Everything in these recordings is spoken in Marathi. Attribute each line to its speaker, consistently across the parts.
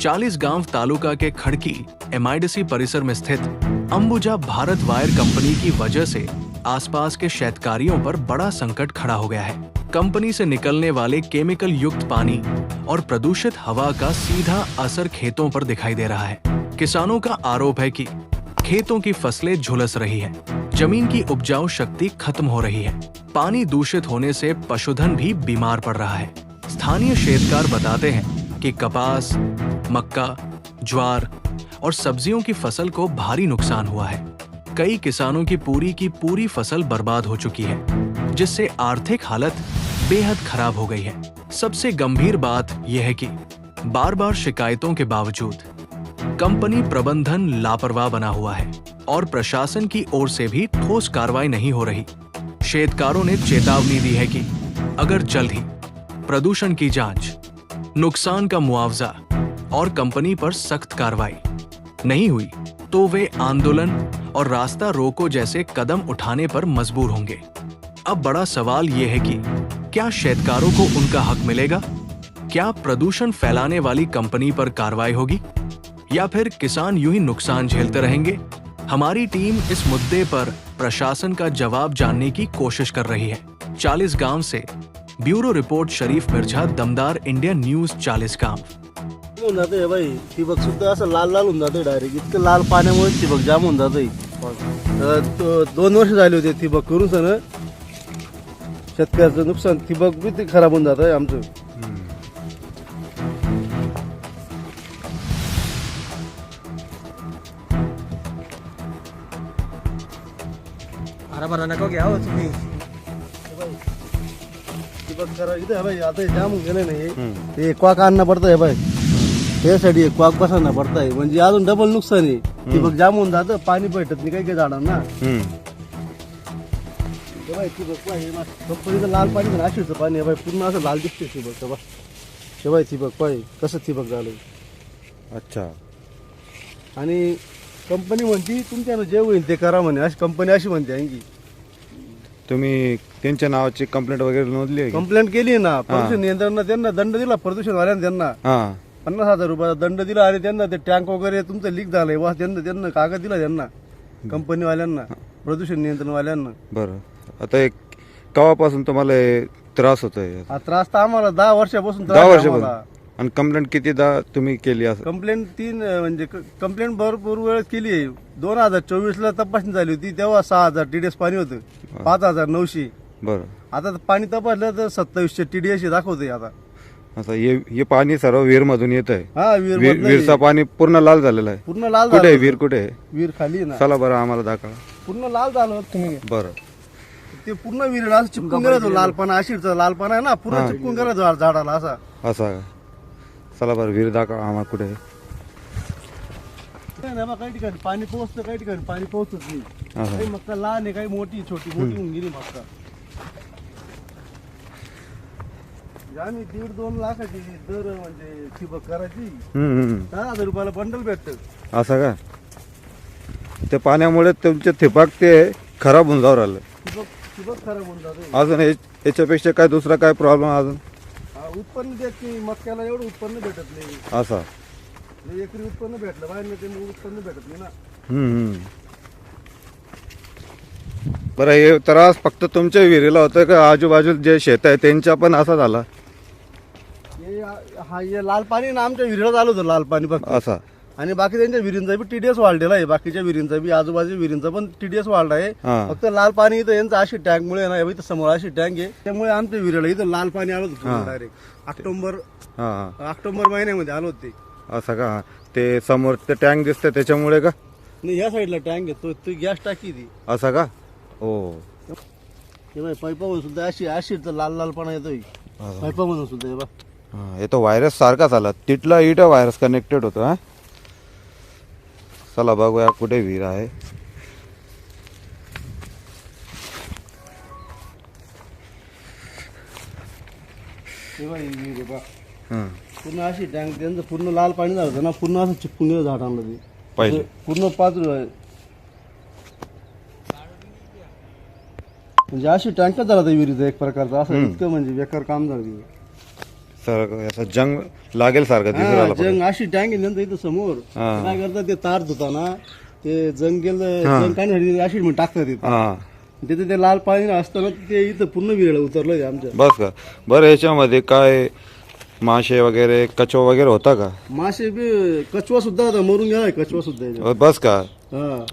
Speaker 1: चालीसगांव तालुका के खड़की एमआईडीसी परिसर में स्थित अंबुजा भारत वायर कंपनी की वजह से आसपास के शेतकारियों पर बड़ा संकट खड़ा हो गया है। कंपनी से निकलने वाले केमिकल युक्त पानी और प्रदूषित हवा का सीधा असर खेतों पर दिखाई दे रहा है। किसानों का आरोप है कि खेतों की फसलें झुलस रही है, जमीन की उपजाऊ शक्ति खत्म हो रही है, पानी दूषित होने से पशुधन भी बीमार पड़ रहा है। स्थानीय शेतकार बताते हैं कि कपास, मक्का, ज्वार और सब्जियों की फसल को भारी नुकसान हुआ है। कई किसानों की पूरी फसल बर्बाद हो चुकी है, जिससे आर्थिक हालत बेहद खराब हो गई है। सबसे गंभीर बात यह है कि बार-बार शिकायतों के बावजूद कंपनी प्रबंधन लापरवाह बना हुआ है और प्रशासन की ओर से भी ठोस कार्रवाई नहीं हो रही। शेतकारों ने चेतावनी दी है कि अगर जल्द ही प्रदूषण की जांच, नुकसान का मुआवजा और कंपनी पर सख्त कार्रवाई नहीं हुई तो वे आंदोलन और रास्ता रोको जैसे कदम उठाने पर मजबूर होंगे। अब बड़ा सवाल ये है कि क्या शेतकारों को उनका हक मिलेगा? क्या प्रदूषण फैलाने वाली कंपनी पर कार्रवाई होगी या फिर किसान यूं ही नुकसान झेलते रहेंगे? हमारी टीम इस मुद्दे पर प्रशासन का जवाब जानने की कोशिश कर रही है। चालीसगांव से ब्यूरो रिपोर्ट शरीफ मिर्झा, दमदार इंडिया न्यूज चालीसगांव।
Speaker 2: होऊन जाते भाई, ठिबक सुद्धा असं लाल लाल होऊन जाते डायरेक्ट, इतकं लाल पाण्यामुळे ठिबक जाम होऊन जाते। 2 वर्ष झाले होते ठिबक करून सण, शेतकऱ्याचं नुकसान, ठिबक बी ते खराब होऊन जातं आमचं।
Speaker 3: हरा नको घ्या हो तुम्ही।
Speaker 2: ठिबक करा इथे है भाई, आता जाम होऊन गेले नाही, ते क्वाक आणणं पडतं है भाई, त्यासाठी क्वाक बसवणं पडतंय, म्हणजे अजून डबल नुकसान आहे। ठिबक जाम होऊन जातं, पाणी भेटत नाही काही काही झाडांना। कंपनीचं लाल पाणी नाशिकचं पाणी आहे भाई, पूर्ण असं लाल दिसते ठिबक बा। शिवाय ठिबक पाय कसं ठिबक झालंय।
Speaker 4: अच्छा,
Speaker 2: आणि कंपनी म्हणती तुमच्यानं जे होईल ते करा म्हणे, अशी कंपनी अशी म्हणते आणखी।
Speaker 4: तुम्ही त्यांच्या नावाची कंप्लेंट वगैरे नोंदली आहे का?
Speaker 2: कंप्लेंट केली ना, प्रदूषण नियंत्रण त्यांना दंड दिला, प्रदूषणवाल्यांना त्यांना
Speaker 4: हा
Speaker 2: 50,000 रुपयाचा दंड दिला, आणि त्यांना ते टँक वगैरे तुमचं लीक झालंय वा, त्यांना कागद दिला त्यांना, कंपनीवाल्यांना, प्रदूषण नियंत्रणवाल्यांना।
Speaker 4: बरं, आता एक केव्हापासून तुम्हाला हे त्रास होतोय?
Speaker 2: हा त्रास तर आम्हाला 10 वर्षापासून
Speaker 4: 10 वर्षापासून। आणि कंप्लेंट कितीदा तुम्ही केली? असं
Speaker 2: कंप्लेंट 3 म्हणजे कंप्लेंट भरपूर वेळेस केली आहे। 2024ला तपासणी झाली होती, तेव्हा 6,000 TDS पाणी होतं, 5,900।
Speaker 4: बरं,
Speaker 2: आता पाणी तपासलं तर 2700 TDS दाखवतंय आता।
Speaker 4: आता हे पाणी सर्व विहीर मधून येत आहे?
Speaker 2: हा,
Speaker 4: विहीरचं पाणी पूर्ण लाल झालेलं आहे?
Speaker 2: पूर्ण लाल
Speaker 4: कुठे आहे
Speaker 2: झालं।
Speaker 4: विहीर? कुठे आहे?
Speaker 2: विहीर खाली आहे ना।
Speaker 4: चला बरं, आम्हाला दाखवा।
Speaker 2: पूर्ण लाल झालं तुम्ही,
Speaker 4: बरं,
Speaker 2: ते पूर्ण विहीर असं चिपकून गेला, तो लालपणा, आशिरचा लालपणा आहे ना, पूर्ण चिपकून गेला झाडाला असा।
Speaker 4: असा चला बरं, विहीर दाखवा आम्हाला कुठे आहे?
Speaker 2: काही ठिकाणी पाणी पोहोचतं, काही ठिकाणी पाणी पोहोचत नाही। काही मक्का लहान आहे, काही मोठी, छोटी होऊन गेली मक्का। आम्ही 1.5-2 लाखाची दर म्हणजे ठिबक करायची, 10,000 रुपयाला बंडल भेटतं।
Speaker 4: असं का? त्या पाण्यामुळे तुमचे ठिबक ते खराब होऊन जाऊ राहिलं?
Speaker 2: ठिबक खराब होऊन जाते।
Speaker 4: अजून याच्यापेक्षा काय दुसरा काय प्रॉब्लेम? अजून
Speaker 2: उत्पन्न देत नाही, मक्याला एवढं उत्पन्न भेटत नाही।
Speaker 4: असा
Speaker 2: एकरी उत्पन्न भेटलं बाहेर, ते उत्पन्न भेटत नाही ना।
Speaker 4: बरं, हे त्रास फक्त तुमच्या विहिरीला होतं का आजूबाजू जे शेत आहे त्यांच्या पण असा झाला?
Speaker 2: हे लाल पाणी ना आमच्या विहिरीला झालं होतं, लाल पाणी फक्त।
Speaker 4: असा,
Speaker 2: आणि बाकी त्यांच्या विहिरींचा बी TDS वाढलेला आहे, बाकीच्या विहिरींचा बी, आजूबाजूच्या विहिरींचा पण TDS वाढला आहे। फक्त लाल पाणी इथं यांचं अशी टँक मुळे ना, इथं समोर अशी टँक आहे, त्यामुळे आमच्या विहिरीला इथं लाल पाणी आलं होतं डायरेक्ट। ऑक्टोबर महिन्यामध्ये आलं होते।
Speaker 4: असं का? ते समोर ते टँक दिसतंय त्याच्यामुळे का?
Speaker 2: नाही, ह्या साईडला टँक आहे, तो गॅस टाकी ती।
Speaker 4: असं का? हो,
Speaker 2: पाईपामधून सुद्धा अशी लाल लालपणा येतोय पाईपामधून सुद्धा। हे बघ,
Speaker 4: हे तो व्हायरस सारखाच आला, तिथला इथं व्हायरस कनेक्टेड होतो। हा, चला बघूया कुठे विहीर आहे।
Speaker 2: पूर्ण अशी टँक, त्यांचं पूर्ण लाल पाणी झालं होतं ना, पूर्ण असं चिपकून गेलं झाडांना, ते
Speaker 4: पहिले
Speaker 2: पूर्ण पातळ आहे, म्हणजे अशी टँकच झाला त्या विहिरीचा एक प्रकारचा, असं इतकं म्हणजे बेकार काम झालं।
Speaker 4: सर असं जंग लागेल सारखं दिसून
Speaker 2: हा,
Speaker 4: राहिलं
Speaker 2: जंग अशी टँक आहे नंतर इथं समोर
Speaker 4: हा.
Speaker 2: काय करतात ते तार धुताना ते जंग काढण्यासाठी अशी म्हणून टाकतात तिथं
Speaker 4: हा
Speaker 2: तिथे ते लाल पाणी असताना ते इथं पूर्ण विरळ उतरलं आमच्या
Speaker 4: बस का. बरं याच्यामध्ये काय मासे वगैरे कचवा वगैरे होता का?
Speaker 2: मासे बी कचवा सुद्धा होता मरून गेलाय कचवा सुद्धा याच्यात.
Speaker 4: बस का.
Speaker 2: हा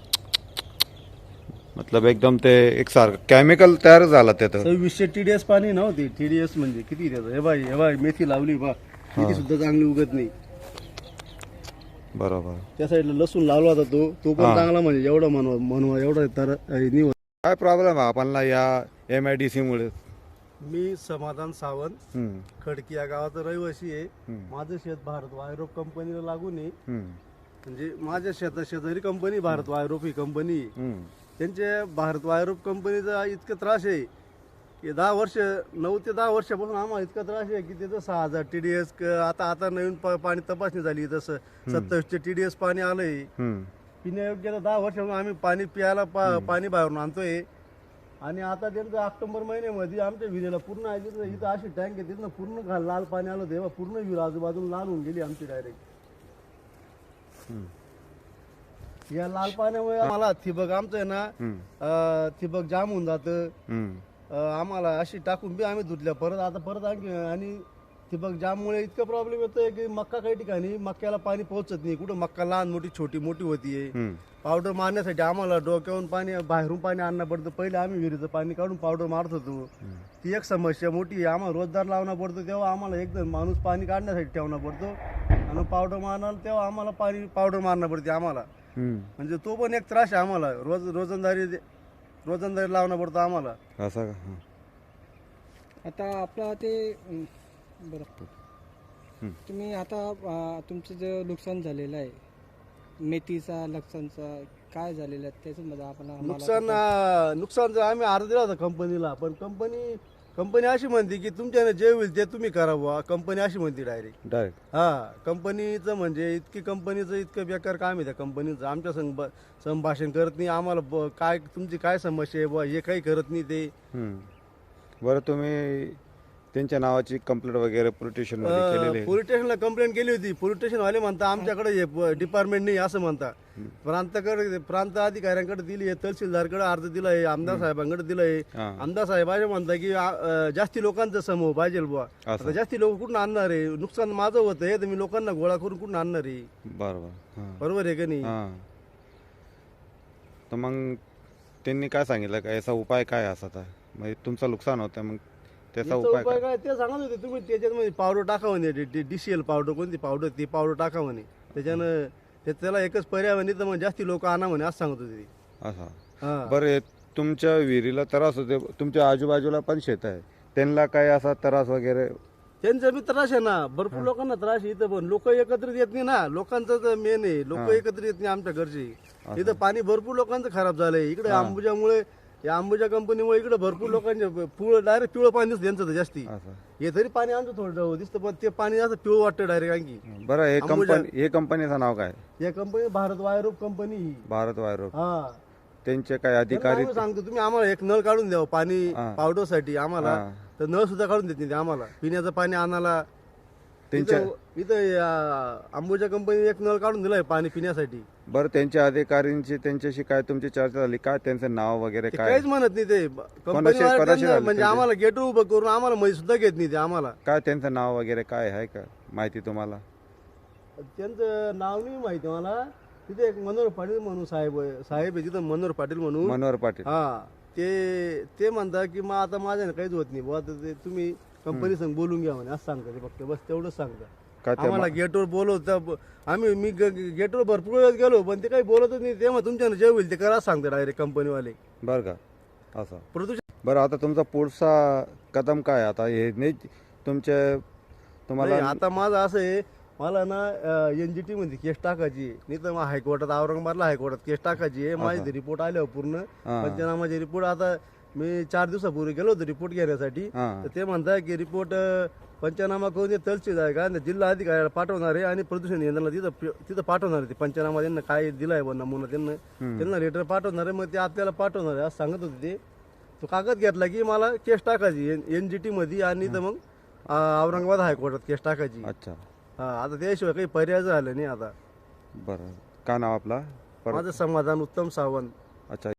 Speaker 4: मतलब एकदम ते एक सारखं केमिकल तयार झाला त्यात.
Speaker 2: 2600 TDS पाणी नव्हती. TDS म्हणजे किती त्याचं हे बाई मेथी लावली बा मेथी सुद्धा चांगली उगत नाही.
Speaker 4: बरोबर.
Speaker 2: त्या साईडला लसूण लावला होता तो पण चांगला म्हणजे एवढा म्हणवा एवढा तर निवड.
Speaker 4: काय प्रॉब्लेम आहे आपल्याला या MIDC मुळे?
Speaker 2: मी समाधान सावंत
Speaker 4: हम्म,
Speaker 2: खडकी या गावाचा रहिवासी आहे.
Speaker 4: हम्म,
Speaker 2: माझं शेत भारत वायरोप कंपनीला लागून आहे.
Speaker 4: हम्म,
Speaker 2: म्हणजे माझ्या शेजारी कंपनी भारत वायरोप ही कंपनी आहे.
Speaker 4: हम्म,
Speaker 2: त्यांच्या भारत वायरोप कंपनीचा इतका त्रास आहे की 9 ते 10 वर्षापासून आम्हाला इतका त्रास आहे की त्याचं 6000 TDS आता नवीन पाणी तपासणी झाली तसं 2700 TDS पाणी आलंय.
Speaker 4: हम्म.
Speaker 2: पिण्यायोग्य 10 वर्षापासून आम्ही पाणी प्यायला पाणी बाहेरून आणतोय. आणि आता त्यांचं ऑक्टोबर महिन्यामध्ये आमच्या विहिरीला पूर्ण आहे इथं अशी टँक आहे तिथं पूर्ण लाल पाणी आलं तेव्हा पूर्ण विहीर आजूबाजूला लाल होऊन गेली आमची डायरेक्ट. या लाल पाण्यामुळे आम्हाला ठिबक आमचं आहे ना ठिबक जाम होऊन जातं.
Speaker 4: हम्म.
Speaker 2: आम्हाला अशी टाकून बी आम्ही धुतल्या परत आणखी आणि ठिबक जाममुळे इतका प्रॉब्लेम येतोय की मक्का काही ठिकाणी मक्याला पाणी पोहोचत नाही. कुठं मक्का लहान मोठी छोटी मोठी होतीये.
Speaker 4: हम्म.
Speaker 2: पावडर मारण्यासाठी आम्हाला डोक्यावरून पाणी बाहेरून पाणी आणणं पडतं. पहिले आम्ही विहिरीचं पाणी काढून पावडर मारत होतो. ती एक समस्या मोठी आहे. आम्हाला रोजदार लावणं पडतो तेव्हा आम्हाला एकदम माणूस पाणी काढण्यासाठी ठेवणं पडतो आणि पावडर मारणार तेव्हा आम्हाला पावडर मारणं पडते आम्हाला.
Speaker 4: हम्म.
Speaker 2: म्हणजे तो पण एक त्रास आहे आम्हाला. रोजंदारी लावणं पडतं आम्हाला.
Speaker 4: असं का. हा.
Speaker 3: आता आपला ते बरं तुम्ही आता तुमचं जे नुकसान झालेलं आहे मेथीचा लक्षणचा काय झालेलं आहे त्याच्यामध्ये आपण
Speaker 2: नुकसानचं आम्ही अर्ज दिला होता कंपनीला. पण कंपनी अशी म्हणते की तुमच्याने जे होईल ते तुम्ही करा बुवा. कंपनी अशी म्हणते डायरेक्ट. हा कंपनीचं म्हणजे कंपनीचं इतकं बेकार काम आहे त्या कंपनीचं. आमच्या संभाषण करत नाही आम्हाला काय तुमची काय समस्या आहे बुवा हे काही करत नाही ते.
Speaker 4: बरं तुम्ही त्यांच्या नावाची कंप्लेंट वगैरे पोलीस स्टेशन मध्ये केलेली आहे?
Speaker 2: पोलीस स्टेशनला कंप्लेंट केली होती. पोलीस स्टेशन वाले म्हणता आमच्याकडे डिपार्टमेंट नाही असं म्हणता. प्रांत अधिकाऱ्यांकडे दिली आहे, तहसीलदारकडे अर्ज दिलाय, आमदार साहेबांकडे दिलाय. आमदार साहेब असे म्हणता की जास्ती लोकांचा समूह पाहिजे बुवा. आता जास्ती लोक कुठून आणणार आहे? नुकसान माझं होतंय तर मी लोकांना गोळा करून कुठून आणणार आहे? बरोबर आहे का नाही?
Speaker 4: तर मग त्यांनी काय सांगितलं का याचा उपाय काय असा? म्हणजे तुमचं नुकसान होतं मग त्याचा उपाय
Speaker 2: काय ते सांगत होते तुम्ही त्याच्यामध्ये पावडर टाका म्हणे. DCL पावडर कोणती पावडर ती पावडर टाका म्हणे. त्याच्यानं त्याला एकच पर्याय म्हणे तर मग जास्ती लोक आणा म्हणे असं सांगत होते.
Speaker 4: असं. बरं तुमच्या विहिरीला त्रास होते, तुमच्या आजूबाजूला पण शेत आहे, त्यांना काय असा त्रास वगैरे?
Speaker 2: त्यांचा बी त्रास आहे ना. भरपूर लोकांना त्रास आहे इथं. पण लोक एकत्रित येत नाही ना. लोकांचं तर मेन आहे. लोक एकत्रित येत नाही आमच्या घरचे. इथं पाणी भरपूर लोकांचं खराब झालंय. इकडे अंबुजामुळे या अंबुजा कंपनीमुळे इकडे भरपूर लोकांचे डायरेक्ट पिवळं पाणी दिसतं त्यांचं जास्ती. हे तरी पाणी आमचं थोडं दिसतं पण ते पाणी असं पिवळं वाटतं डायरेक्ट आणखी.
Speaker 4: बरं हे कंपनीचं नाव काय?
Speaker 2: या कंपनी भारत वायरोप कंपनी ही.
Speaker 4: भारत वायरोप.
Speaker 2: हा
Speaker 4: त्यांचे काय अधिकारी?
Speaker 2: सांगतो तुम्ही आम्हाला एक नळ काढून द्यावं पाणी पावडर साठी आम्हाला. तर नळ सुद्धा काढून देत नाही आम्हाला पिण्याचं पाणी आणायला. इथं अंबुजा कंपनी एक नळ काढून दिलाय पाणी पिण्यासाठी.
Speaker 4: बरं त्यांच्या अधिकाऱ्यांची त्यांच्याशी काय तुमची चर्चा झाली काय? त्यांचं नाव वगैरे काय?
Speaker 2: काहीच म्हणत नाही ते. कंपनी म्हणजे आम्हाला गेट उभं करून आम्हाला मध्ये सुद्धा घेत नाही ते आम्हाला.
Speaker 4: काय त्यांचं नाव वगैरे काय आहे का माहिती तुम्हाला?
Speaker 2: त्यांचं नाव नाही माहिती मला. तिथे एक मनोहर पाटील म्हणून साहेब आहे तिथं मनोहर पाटील म्हणून.
Speaker 4: मनोहर पाटील.
Speaker 2: हा ते म्हणतात की मग आता माझ्याने काहीच होत नाही बुवा. ते तुम्ही कंपनी संग बोलून घ्या म्हणे असं सांगता ते फक्त. बस तेवढंच सांगता. आम्हाला गेटवर बोलवत मी गेटवर भरपूर वेळेस गेलो पण ते काही बोलतच नाही. तेव्हा तुमच्याने जे होईल ते करा सांगते डायरेक्ट कंपनीवाले.
Speaker 4: बरं का असं
Speaker 2: प्रदूषण.
Speaker 4: बरं आता तुमचा पुढचा कदम काय आता? हे नाही तुम्हाला
Speaker 2: आता माझं असं आहे मला ना NGT मध्ये केस टाकायची नाही तर मग हायकोर्टात औरंगाबादला हायकोर्टात केस टाकायची आहे. माझे रिपोर्ट आले पूर्ण पंचनामाचे रिपोर्ट. आता मी 4 दिवसापूर्वी गेलो होतो रिपोर्ट घेण्यासाठी. तर ते म्हणताय की रिपोर्ट पंचनामा करून तहसील आहे का जिल्हा अधिकाऱ्याला पाठवणार आहे आणि प्रदूषण नियंत्रणाला तिथं पाठवणार आहे. ते पंचनामा त्यांना काय दिलाय नमुना त्यांना लेटर पाठवणार आहे. मग ते आपल्याला पाठवणार आहे असं सांगत होते ते. तो कागद घेतला की मला केस टाकायची NGT मध्ये आणि तर मग औरंगाबाद हायकोर्टात केस टाकायची.
Speaker 4: अच्छा,
Speaker 2: हा, आता त्याशिवाय काही पर्याय झाला नाही आता.
Speaker 4: बरं. काय नाव आपला परत?
Speaker 2: माझं समाधान उत्तम सावंत.
Speaker 4: अच्छा.